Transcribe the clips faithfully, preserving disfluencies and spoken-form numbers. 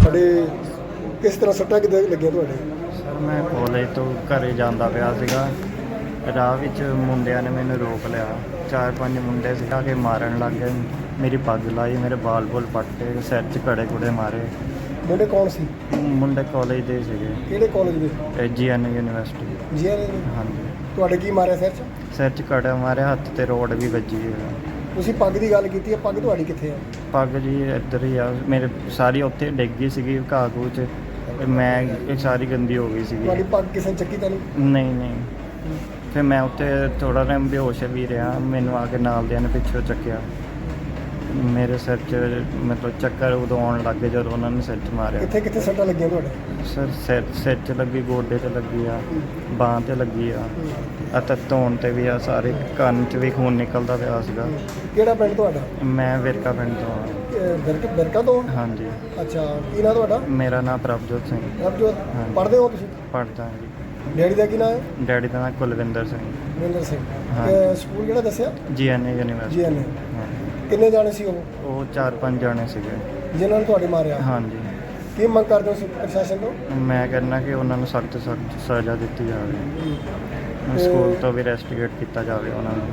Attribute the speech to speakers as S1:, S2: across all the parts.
S1: ਤੁਹਾਡੇ ਕਿਸ ਤਰ੍ਹਾਂ ਸੱਟਾਂ ਕਿੱਦਾਂ ਲੱਗੀਆਂ ਤੁਹਾਡੇ?
S2: ਸਰ ਮੈਂ ਕਾਲਜ ਤੋਂ ਘਰੇ ਜਾਂਦਾ ਪਿਆ ਸੀਗਾ, ਰਾਹ ਵਿੱਚ ਮੁੰਡਿਆਂ ਨੇ ਮੈਨੂੰ ਰੋਕ ਲਿਆ। ਚਾਰ ਪੰਜ ਮੁੰਡੇ ਸੀ ਆ ਕੇ ਮਾਰਨ ਲੱਗ ਗਏ, ਮੇਰੀ ਪੱਗ ਲਾਈ, ਮੇਰੇ ਬਾਲ ਬੁਲ ਪੱਟੇ, ਸਿਰ 'ਚ ਕੜੇ ਕੁੜੇ ਮਾਰੇ।
S1: ਮੁੰਡੇ ਕੌਣ ਸੀ?
S2: ਮੁੰਡੇ ਕਾਲਜ ਦੇ ਸੀਗੇ,
S1: ਕਿਹੜੇ ਕਾਲਜ ਦੇ?
S2: ਜੀ ਐਨ ਯੂਨੀਵਰਸਿਟੀ।
S1: ਜੀ ਐਨ?
S2: ਹਾਂਜੀ।
S1: ਤੁਹਾਡੇ ਕੀ ਮਾਰਿਆ ਸਿਰ 'ਚ?
S2: ਸਿਰ 'ਚ ਕੜੇ ਮਾਰੇ, ਹੱਥ ਤੇ ਰੋਡ ਵੀ ਵੱਜੀ ਹੈ।
S1: ਤੁਸੀਂ ਪੱਗ ਦੀ ਗੱਲ ਕੀਤੀ ਹੈ, ਪੱਗ ਤੁਹਾਡੀ ਕਿੱਥੇ ਹੈ?
S2: ਪੱਗ ਜੀ ਇੱਧਰ ਹੀ ਆ, ਮੇਰੇ ਸਾਰੀ ਉੱਥੇ ਡਿੱਗ ਗਈ ਸੀਗੀ ਘਾਹ ਘੂਹ 'ਚ, ਤੇ ਮੈਂ ਇਹ ਸਾਰੀ ਗੰਦੀ ਹੋ ਗਈ ਸੀਗੀ।
S1: ਤੁਹਾਡੀ ਪੱਗ ਕਿਸੇ ਨੇ ਚੱਕੀ ਤਾਂ ਨਹੀਂ?
S2: ਨਹੀਂ ਨਹੀਂ ਫਿਰ ਮੈਂ ਉੱਥੇ ਥੋੜ੍ਹਾ ਟਾਈਮ ਬੇਹੋਸ਼ ਵੀ ਰਿਹਾ, ਮੈਨੂੰ ਆ ਕੇ ਨਾਲ ਦਿਆਂ ਨੇ ਪਿੱਛੋਂ ਚੱਕਿਆ। ਮੇਰੇ ਸਿਰ 'ਚ ਮਤਲਬ ਚੱਕਰ ਉਦੋਂ ਆਉਣ ਲੱਗ ਗਏ ਜਦੋਂ ਉਹਨਾਂ ਨੇ ਸਿਰ 'ਚ ਮਾਰਿਆ।
S1: ਕਿੱਥੇ ਕਿੱਥੇ ਸੱਟਾਂ ਲੱਗੀਆਂ ਤੁਹਾਡੇ?
S2: ਸਰ ਸਿਰ ਸਿਰ 'ਚ ਲੱਗੀ, ਗੋਡੇ 'ਤੇ ਲੱਗੀ ਆ, ਬਾਂਹ 'ਤੇ ਲੱਗੀ ਆ, ਅਤੇ ਧੌਣ 'ਤੇ ਵੀ ਆ, ਸਾਰੇ ਕੰਨ 'ਚ ਵੀ ਖੂਨ ਨਿਕਲਦਾ ਪਿਆ ਸੀਗਾ।
S1: ਕਿਹੜਾ ਪਿੰਡ ਤੁਹਾਡਾ?
S2: ਮੈਂ ਵਿਰਕਾ ਪਿੰਡ ਤੋਂ ਹਾਂ।
S1: ਬਿਰਕਾ ਬਿਰਕਾ ਤੋਂ?
S2: ਹਾਂਜੀ।
S1: ਅੱਛਾ, ਕੀ ਨਾਂ ਤੁਹਾਡਾ?
S2: ਮੇਰਾ ਨਾਮ ਪ੍ਰਭਜੋਤ ਸਿੰਘ।
S1: ਪ੍ਰਭਜੋਤ,
S2: ਹਾਂਜੀ।
S1: ਪੜ੍ਹਦੇ ਹੋ ਤੁਸੀਂ?
S2: ਪੜ੍ਹਦਾ ਜੀ।
S1: ਡੈਡੀ ਦਾ ਕੀ ਨਾਂ ਹੈ?
S2: ਡੈਡੀ ਦਾ ਨਾਮ ਕੁਲਵਿੰਦਰ ਸਿੰਘ।
S1: ਵਿੰਦਰ ਸਿੰਘ।
S2: ਹਾਂ।
S1: ਤੇ ਸਕੂਲ ਕਿਹੜਾ ਦੱਸਿਆ?
S2: ਜੀ ਐਨ ਯੂਨੀਵਰਸਿਟੀ।
S1: ਜੀ ਐਨ।
S2: ਹਾਂ।
S1: ਕਿੰਨੇ ਜਾਣੇ ਸੀ ਉਹ?
S2: ਉਹ ਚਾਰ ਪੰਜ ਜਾਣੇ ਸੀਗੇ।
S1: ਜਿਨ੍ਹਾਂ ਨੇ ਤੁਹਾਡੇ ਮਾਰਿਆ?
S2: ਹਾਂਜੀ।
S1: ਕੀ ਮੰਗ ਕਰਦੇ ਹੋ ਪ੍ਰਸ਼ਾਸਨ ਤੋਂ?
S2: ਮੈਂ ਕਹਿੰਦਾ ਕਿ ਉਹਨਾਂ ਨੂੰ ਸਖਤ ਸਖਤ ਸਜ਼ਾ ਦਿੱਤੀ ਜਾਵੇ,
S1: ਤੇ
S2: ਸਕੂਲ ਤੋਂ ਵੀ ਰੈਸਟੀਗੇਟ ਕੀਤਾ ਜਾਵੇ ਉਹਨਾਂ ਨੂੰ।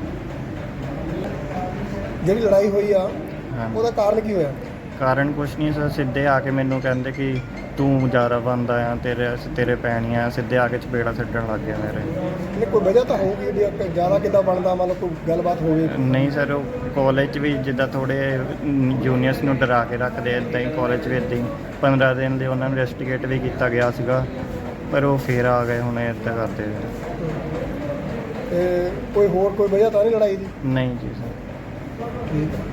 S1: ਜਿਹੜੀ ਲੜਾਈ ਹੋਈ ਆ
S2: ਹਾਂ।
S1: ਉਹਦਾ ਕਾਰਨ ਕੀ ਹੋਇਆ?
S2: ਕਾਰਨ ਕੁਛ ਨਹੀਂ ਸਰ, ਸਿੱਧੇ ਆ ਕੇ ਮੈਨੂੰ ਕਹਿੰਦੇ ਕਿ ਤੂੰ ਜ਼ਿਆਦਾ ਬੰਦਾ ਆ, ਤੇਰੇ ਤੇਰੇ ਪੈਣੀਆਂ, ਸਿੱਧੇ ਆ ਕੇ ਚਪੇੜਾ ਛੱਡਣ ਲੱਗ ਗਿਆ ਮੇਰੇ।
S1: ਨਹੀਂ, ਕੋਈ ਵਜ੍ਹਾ ਤਾਂ ਹੋਊਗੀ ਵੀ ਜ਼ਿਆਦਾ ਕਿੱਦਾਂ ਬਣਦਾ, ਮਤਲਬ ਕੋਈ ਗੱਲਬਾਤ ਹੋਵੇ?
S2: ਨਹੀਂ ਸਰ, ਉਹ ਕਾਲਜ 'ਚ ਵੀ ਜਿੱਦਾਂ ਥੋੜ੍ਹੇ ਜੂਨੀਅਰਸ ਨੂੰ ਡਰਾ ਕੇ ਰੱਖਦੇ, ਇੱਦਾਂ ਹੀ ਕਾਲਜ 'ਚ ਵੀ ਇੱਦਾਂ ਹੀ ਪੰਦਰਾਂ ਦਿਨ ਲਈ ਉਹਨਾਂ ਨੂੰ ਰੈਸਟੀਗੇਟ ਵੀ ਕੀਤਾ ਗਿਆ ਸੀਗਾ, ਪਰ ਉਹ ਫੇਰ ਆ ਗਏ ਹੁਣ ਇੱਦਾਂ ਕਰਦੇ।
S1: ਤੇ ਕੋਈ ਹੋਰ ਕੋਈ ਵਜ੍ਹਾ ਤਾਂ ਨਹੀਂ ਲੜਾਈ ਦੀ?
S2: ਨਹੀਂ ਜੀ ਸਰ।
S1: ਠੀਕ ਹੈ।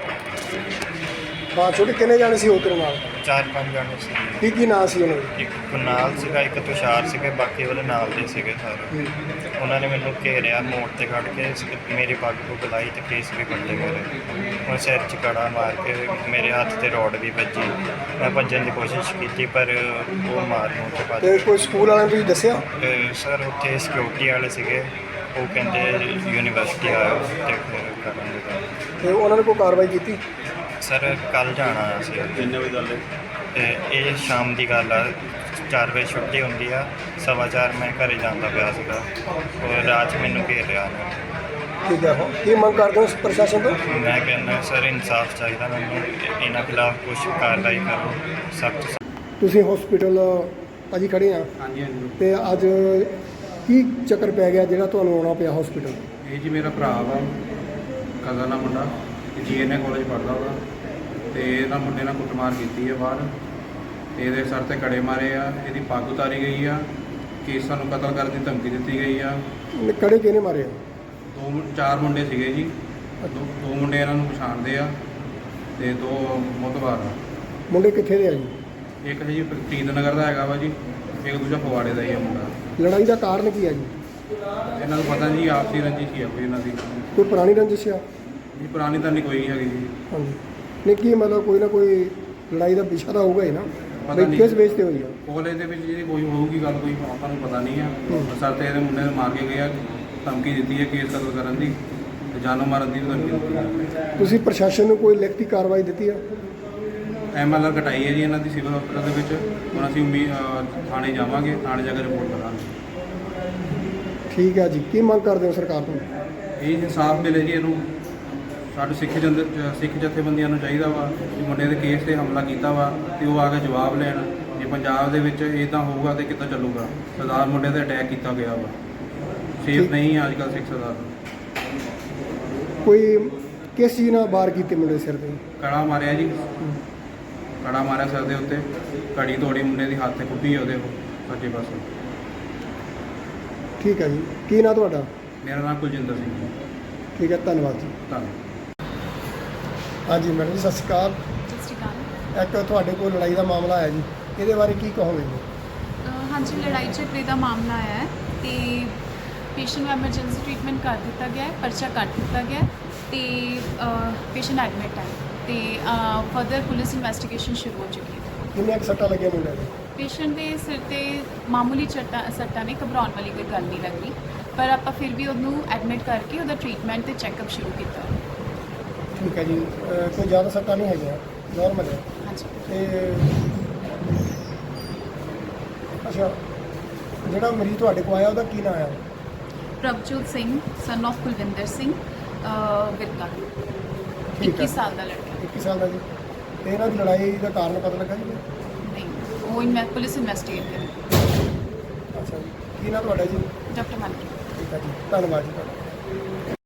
S1: ਹਾਂ, ਛੋਟੇ ਕਿੰਨੇ ਜਾਣੇ ਸੀ ਉਹ ਤੇਰੇ ਨਾਲ?
S2: ਚਾਰ ਪੰਜ ਜਾਣੇ ਸੀ।
S1: ਕੀ ਕੀ ਨਾਂ ਸੀ ਉਹਨਾਂ ਦੇ?
S2: ਇੱਕ ਕੁਨਾਲ ਸੀਗਾ, ਇੱਕ ਤੁਸ਼ਾਰ ਸੀਗੇ, ਬਾਕੀ ਉਹਦੇ ਨਾਲ ਦੇ ਸੀਗੇ ਸਾਰੇ। ਉਹਨਾਂ ਨੇ ਮੈਨੂੰ ਘੇਰਿਆ, ਮੋੜ ਤੇ ਖੜ ਕੇ ਮੇਰੀ ਪੱਗ ਨੂੰ ਬੁਲਾਈ ਤੇ ਕੇਸ ਵੀ ਕੱਟੇ ਮੇਰੇ। ਹੁਣ ਸਿਰ 'ਚ ਕੜਾ ਮਾਰ ਕੇ ਮੇਰੇ ਹੱਥ ਤੇ ਰੋਡ ਵੀ ਵੱਜੀ। ਮੈਂ ਭੱਜਣ ਦੀ ਕੋਸ਼ਿਸ਼ ਕੀਤੀ ਪਰ ਉਹ ਮਾਰ ਨੂੰ ਤੇ ਭੱਜ
S1: ਤੇ ਕੋਈ ਸਕੂਲ ਵਾਲਿਆਂ ਨੂੰ ਤੁਸੀਂ ਦੱਸਿਆ?
S2: ਤੇ ਸਰ ਉੱਥੇ ਸਿਕਿਉਰਿਟੀ ਵਾਲੇ ਸੀਗੇ, ਉਹ ਕਹਿੰਦੇ ਯੂਨੀਵਰਸਿਟੀ ਆਇਓ ਤੇ ਫਿਰ ਕਰਾਂਗੇ ਗੱਲ।
S1: ਤੇ ਉਹਨਾਂ ਨੇ ਕੋਈ ਕਾਰਵਾਈ ਕੀਤੀ?
S2: ਸਰ ਕੱਲ੍ਹ ਜਾਣਾ ਆ ਸੀ। ਕਿੰਨੇ ਵਜੇ ਗੱਲ ਹੈ? ਤੇ ਇਹ ਸ਼ਾਮ ਦੀ ਗੱਲ ਆ, ਚਾਰ ਵਜੇ ਛੁੱਟੀ ਹੁੰਦੀ ਆ, ਸਵਾ ਚਾਰ ਮੈਂ ਘਰੇ ਜਾਂਦਾ ਪਿਆ ਸੀਗਾ, ਔਰ ਰਾਤ 'ਚ ਮੈਨੂੰ ਘੇਰ ਰਿਹਾ ਉਹਨੇ।
S1: ਠੀਕ ਹੈ। ਕੀ ਮੰਗ ਕਰਦੇ ਹੋ ਪ੍ਰਸ਼ਾਸਨ ਤੋਂ?
S2: ਮੈਂ ਕਹਿੰਦਾ ਸਰ ਇਨਸਾਫ ਚਾਹੀਦਾ ਮੈਨੂੰ, ਇਹਨਾਂ ਖਿਲਾਫ ਕੁਛ ਕਾਰਵਾਈ ਕਰੋ ਸਖਤ।
S1: ਤੁਸੀਂ ਹਸਪੀਟਲ ਭਾਜੀ ਖੜੇ ਆ?
S3: ਹਾਂਜੀ ਹਾਂਜੀ।
S1: ਤੇ ਅੱਜ ਕੀ ਚੱਕਰ ਪੈ ਗਿਆ ਜਿਹੜਾ ਤੁਹਾਨੂੰ ਆਉਣਾ ਪਿਆ ਹਸਪੀਟਲ?
S3: ਇਹ ਜੀ ਮੇਰਾ ਭਰਾ ਵਾ, ਕਜ਼ਨ ਆ ਮੁੰਡਾ, ਜੀ ਐਨ ਏ ਕਾਲਜ ਪੜ੍ਹਦਾ ਵਾ, ਤੇ ਇਹਨਾਂ ਮੁੰਡੇ ਨਾਲ ਕੁੱਟਮਾਰ ਕੀਤੀ ਹੈ ਬਾਹਰ, ਤੇ ਇਹਦੇ ਸਰ ਤੇ ਕੜੇ ਮਾਰੇ ਆ, ਇਹਦੀ ਪੱਗ ਉਤਾਰੀ ਗਈ ਆ, ਕੇਸਾਂ ਨੂੰ ਕਤਲ ਕਰਨ ਦੀ ਧਮਕੀ ਦਿੱਤੀ ਗਈ ਆ।
S1: ਕੜੇ ਕਿਹਨੇ ਮਾਰੇ?
S3: ਦੋ ਮੁੰ- ਚਾਰ ਮੁੰਡੇ ਸੀਗੇ ਜੀ, ਦੋ ਦੋ ਮੁੰਡੇ ਇਹਨਾਂ ਨੂੰ ਪਛਾਣਦੇ ਆ ਤੇ ਦੋ ਮੁਤਬਾਰ ਆ।
S1: ਮੁੰਡੇ ਕਿੱਥੇ ਦੇ ਆ ਜੀ?
S3: ਇੱਕ ਹੈ ਜੀ ਪ੍ਰੀਤ ਨਗਰ ਦਾ ਹੈਗਾ ਵਾ ਜੀ, ਇੱਕ ਦੂਜਾ ਫਗਵਾੜੇ ਦਾ ਹੀ ਆ ਮੁੰਡਾ।
S1: ਲੜਾਈ ਦਾ ਕਾਰਨ ਕੀ ਹੈ ਜੀ?
S3: ਇਹਨਾਂ ਨੂੰ ਪਤਾ ਜੀ ਆਪਸੀ ਰੰਜਿਸ਼ ਹੀ ਆ ਕੋਈ ਇਹਨਾਂ ਦੀ।
S1: ਕੋਈ ਪੁਰਾਣੀ ਰੰਜਿਸ਼ ਆ?
S3: ਜੀ ਪੁਰਾਣੀ ਤਾਂ ਨਹੀਂ ਕੋਈ ਹੈਗੀ ਜੀ।
S1: ਹਾਂਜੀ। ਨਹੀਂ, ਕੀ ਮਤਲਬ ਕੋਈ ਨਾ ਕੋਈ ਲੜਾਈ ਦਾ ਵਿਸ਼ਾ ਤਾਂ ਹੋਊਗਾ ਹੀ ਨਾ,
S3: ਪਤਾ
S1: ਬਈ
S3: ਨਹੀਂ
S1: ਕਿਸ ਵੇਚ ਤੇ ਹੋਈ ਆ?
S3: ਕਾਲਜ ਦੇ ਵਿੱਚ ਜਿਹੜੀ ਕੋਈ ਹੋਊਗੀ ਗੱਲ, ਕੋਈ ਆਪਾਂ ਨੂੰ ਪਤਾ ਨਹੀਂ ਆ। ਸਰ ਤੇ ਇਹਦੇ ਮੁੰਡੇ ਨੂੰ ਮਾਰ ਕੇ ਗਏ ਆ, ਧਮਕੀ ਦਿੱਤੀ ਹੈ ਕੇਸ ਕਤਲ ਕਰਨ ਦੀ ਤੇ ਜਾਨੋਂ ਮਾਰਨ ਦੀ ਵੀ ਧਮਕੀ ਦਿੱਤੀ ਹੈ।
S1: ਤੁਸੀਂ ਪ੍ਰਸ਼ਾਸਨ ਨੂੰ ਕੋਈ ਲਿਖਤੀ ਕਾਰਵਾਈ ਦਿੱਤੀ ਆ?
S3: ਐਮ ਐਲ ਆਰ ਕਟਾਈ ਹੈ ਜੀ ਇਹਨਾਂ ਦੀ ਸਿਵਲ ਹਸਪਤਾਲ ਦੇ ਵਿੱਚ। ਹੁਣ ਅਸੀਂ ਉਮੀ ਥਾਣੇ ਜਾਵਾਂਗੇ, ਥਾਣੇ ਜਾ ਕੇ ਰਿਪੋਰਟ ਕਰਾਂਗੇ।
S1: ਠੀਕ ਹੈ ਜੀ। ਕੀ ਮੰਗ ਕਰਦੇ ਹੋ ਸਰਕਾਰ ਤੋਂ?
S3: ਇਹ ਇਨਸਾਫ ਮਿਲੇ ਜੀ ਇਹਨੂੰ। ਸਾਡੇ ਸਿੱਖ ਜੰਦ ਸਿੱਖ ਜਥੇਬੰਦੀਆਂ ਨੂੰ ਚਾਹੀਦਾ ਵਾ ਕਿ ਮੁੰਡੇ ਦੇ ਕੇਸ 'ਤੇ ਹਮਲਾ ਕੀਤਾ ਵਾ ਤੇ ਉਹ ਆ ਕੇ ਜਵਾਬ ਲੈਣ। ਜੇ ਪੰਜਾਬ ਦੇ ਵਿੱਚ ਇੱਦਾਂ ਹੋਊਗਾ ਤਾਂ ਕਿੱਦਾਂ ਚੱਲੂਗਾ? ਸਰਦਾਰ ਮੁੰਡੇ 'ਤੇ ਅਟੈਕ ਕੀਤਾ ਗਿਆ ਵਾ, ਸੇਫ ਨਹੀਂ ਹੈ ਅੱਜ ਕੱਲ੍ਹ ਸਿੱਖ ਸਰਦਾਰ।
S1: ਕੋਈ ਕਿਸ ਚੀਜ਼ ਨਾਲ ਵਾਰ ਕੀਤੇ ਮੁੰਡੇ ਸਿਰ ਤੇ?
S3: ਕੜਾ ਮਾਰਿਆ ਜੀ, ਕੜਾ ਮਾਰਿਆ ਸਿਰ ਦੇ ਉੱਤੇ, ਕੜੀ ਤੋੜੀ ਮੁੰਡੇ ਦੀ ਹੱਥ 'ਤੇ ਕੁੱਟੀ ਹੈ ਉਹਦੇ ਸੱਜੇ ਪਾਸੇ।
S1: ਠੀਕ ਹੈ ਜੀ। ਕੀ ਨਾਂ ਤੁਹਾਡਾ?
S3: ਮੇਰਾ ਨਾਮ ਕੁਲਜਿੰਦਰ ਸਿੰਘ ਜੀ।
S1: ਠੀਕ ਹੈ, ਧੰਨਵਾਦ ਜੀ।
S3: ਧੰਨਵਾਦ।
S1: ਹਾਂਜੀ ਮੈਡਮ ਜੀ, ਸਤਿ ਸ਼੍ਰੀ ਅਕਾਲ।
S4: ਸਤਿ ਸ਼੍ਰੀ ਅਕਾਲ।
S1: ਇੱਕ ਤੁਹਾਡੇ ਕੋਲ ਲੜਾਈ ਦਾ ਮਾਮਲਾ ਆਇਆ ਜੀ, ਇਹਦੇ ਬਾਰੇ ਕੀ ਕਹੋਗੇ ਜੀ?
S4: ਅ, ਹਾਂਜੀ, ਲੜਾਈ ਝਗੜੇ ਦਾ ਮਾਮਲਾ ਆਇਆ ਹੈ ਤੇ ਪੇਸ਼ੈਂਟ ਨੂੰ ਐਮਰਜੈਂਸੀ ਟ੍ਰੀਟਮੈਂਟ ਕਰ ਦਿੱਤਾ ਗਿਆ ਹੈ, ਪਰਚਾ ਕੱਟ ਦਿੱਤਾ ਗਿਆ ਤੇ ਪੇਸ਼ੈਂਟ ਐਡਮਿਟ ਹੈ ਤੇ ਫਰਦਰ ਪੁਲਿਸ ਇਨਵੈਸਟੀਗੇਸ਼ਨ ਸ਼ੁਰੂ ਹੋ ਚੁੱਕੀ ਹੈ।
S1: ਕਿੰਨੇ ਕੁ ਸੱਟਾਂ ਲੱਗੀਆਂ ਮੁੰਡੇ ਦੇ?
S4: ਪੇਸ਼ੈਂਟ ਦੇ ਸਿਰ ਤੇ ਮਾਮੂਲੀ ਚੱਟਾਂ ਸੱਟਾਂ ਨੇ, ਘਬਰਾਉਣ ਵਾਲੀ ਕੋਈ ਗੱਲ ਨਹੀਂ ਲੱਗੀ, ਪਰ ਆਪਾਂ ਫਿਰ ਵੀ ਉਹਨੂੰ ਐਡਮਿਟ ਕਰਕੇ ਉਹਦਾ ਟ੍ਰੀਟਮੈਂਟ ਤੇ ਚੈੱਕਅਪ ਸ਼ੁਰੂ ਕੀਤਾ।
S1: ਠੀਕ ਹੈ ਜੀ। ਅਹ ਕੋਈ ਜ਼ਿਆਦਾ ਸੱਟਾਂ ਨਹੀਂ ਹੈਗੀਆਂ, ਨਾਰਮਲ ਹੈ?
S4: ਹਾਂਜੀ।
S1: ਤੇ ਅੱਛਾ, ਜਿਹੜਾ ਮਰੀਜ਼ ਤੁਹਾਡੇ ਕੋਲ ਆਇਆ ਉਹਦਾ ਕੀ ਨਾਮ ਆਇਆ?
S4: ਪ੍ਰਭਜੋਤ ਸਿੰਘ ਸਨ of ਕੁਲਵਿੰਦਰ ਸਿੰਘ ਅਹ ਵਿਰਕਾ
S1: ਠੀਕ ਹੈ।
S4: ਇੱਕੀ ਸਾਲ ਦਾ ਲੜਕਾ।
S1: ਇੱਕੀ ਸਾਲ ਦਾ ਜੀ। ਤੇ ਇਹਨਾਂ ਦੀ ਲੜਾਈ ਦਾ ਕਾਰਨ ਪਤਾ ਲੱਗਾ ਜੀ?
S4: ਨਹੀਂ, ਉਹ ਇਨਵੈ ਪੁਲਿਸ ਇਨਵੈਸਟੀਗੇਟ ਕਰੇ।
S1: ਅੱਛਾ ਜੀ, ਕੀ ਨਾਮ ਤੁਹਾਡਾ ਜੀ?
S4: ਡਾਕਟਰ ਮਨਕੀ।
S1: ਠੀਕ ਹੈ ਜੀ, ਧੰਨਵਾਦ ਜੀ ਤੁਹਾਡਾ।